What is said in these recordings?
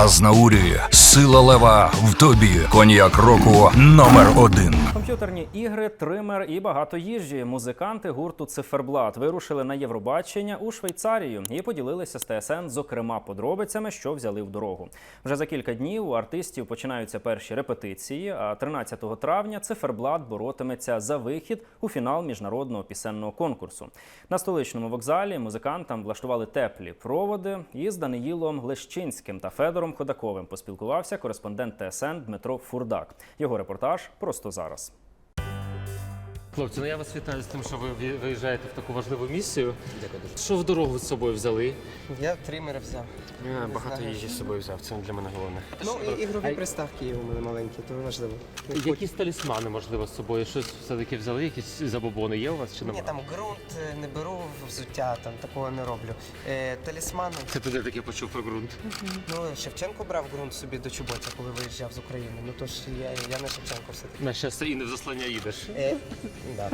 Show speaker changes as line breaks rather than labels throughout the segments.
Азнаурі. Сила лева в тобі. Коньяк року номер 1.
Комп'ютерні ігри, тример і багато їжі. Музиканти гурту «Циферблат» вирушили на Євробачення у Швейцарію і поділилися з ТСН, зокрема, подробицями, що взяли в дорогу. Вже за кілька днів у артистів починаються перші репетиції, а 13 травня «Циферблат» боротиметься за вихід у фінал міжнародного пісенного конкурсу. На столичному вокзалі музикантам влаштували теплі проводи, і з Даниїлом Лещинським та Федором Ходаковим поспілкувався кореспондент ТСН Дмитро Фурдак. Його репортаж просто зараз.
Хлопці, я вас вітаю з тим, що ви виїжджаєте в таку важливу місію. Що в дорогу з собою взяли?
Я тримера взяв.
Я багато їжі з собою взяв, це для мене головне.
Ну і ігрові приставки є у мене маленькі, то важливо.
Якісь талісмани, можливо, з собою? Щось все-таки взяли? Якісь забобони є у вас чи
Ні,
немає?
там ґрунт не беру, взуття, там такого не роблю. Талісмани.
Це ти де таке почув про ґрунт?
Ну, Шевченко брав ґрунт собі до чоботя, коли виїжджав з України. Ну то ж я не Шевченко все-таки.
На щастя, і не в заслання їдеш.
Да.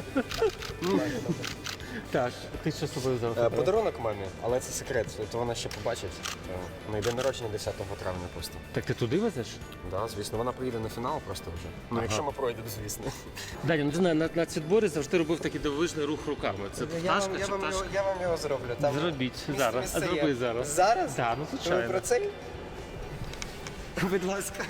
Так, ти що з собою взяв?
Подарунок мамі, але це секрет, то вона ще побачить. На день народження 10 травня просто.
Так ти туди везеш?
Да, звісно, вона приїде на фінал просто вже. Ну, якщо ми пройдемо, звісно.
Даня, ну ти знаєш, на цвітборі завжди робив такий дивовижний рух руками. Це пташка чи пташка?
Я вам його зроблю. Там
Зробіть
місце
зараз. А
є.
зроби зараз.
Зараз?
Так, ну
Ви
звичайно.
про це? Будь ласка.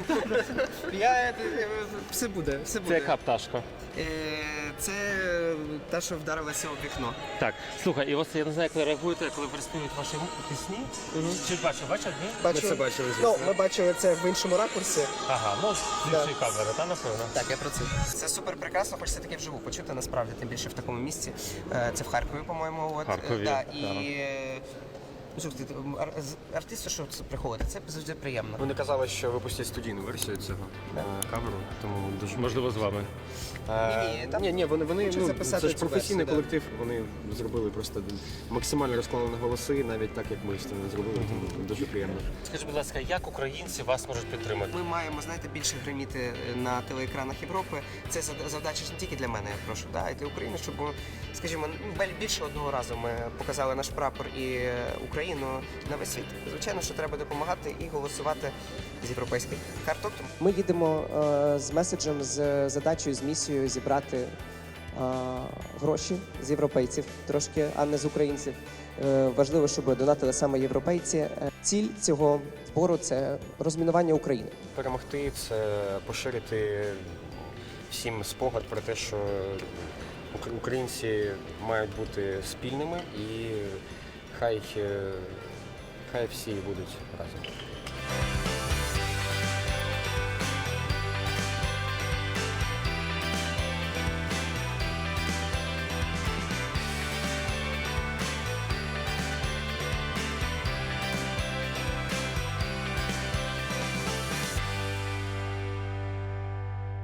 Все буде, все
Це
буде.
яка пташка?
Це та, що вдарилася у вікно.
Так, слухай, і ось я не знаю, як ви реагуєте, коли приспівують ваші пісні. Чи бачив, ні?
Ми це бачили, звісно.
Ну, ми бачили це в іншому ракурсі.
Ага, ну з іншої камери, та напевно.
Так, я про це. Це супер прекрасно, хочеться таке вживу почути, насправді, тим більше в такому місці. Це в Харкові, по-моєму. От.
Харкові,
Да,
так.
і слухайте, артисти, що це приходить, це завжди приємно.
Вони казали, що випустять студійну версію цього камеру, тому дуже...
Можливо, з вами.
Ні, вони
хочуть записати
це ж
цю
професійний
версію,
колектив, вони зробили просто максимально розкладені голоси, навіть так, як ми з цим зробили, тому дуже приємно.
Скажіть, будь ласка, як українці вас можуть підтримати?
Ми маємо, знаєте, більше гриміти на телеекранах Європи. Це завдача ж не тільки для мене, я прошу, а й для України, щоб, скажімо, більше одного разу ми показали наш прапор і Україну на весь світ. Звичайно, що треба допомагати і голосувати з європейських карток. Ми їдемо з меседжем, з задачею, з місією зібрати гроші з європейців трошки, а не з українців. Важливо, щоб донатили саме європейці. Ціль цього збору – це розмінування України.
Перемогти – це поширити всім спогад про те, що українці мають бути спільними і хай всі будуть разом.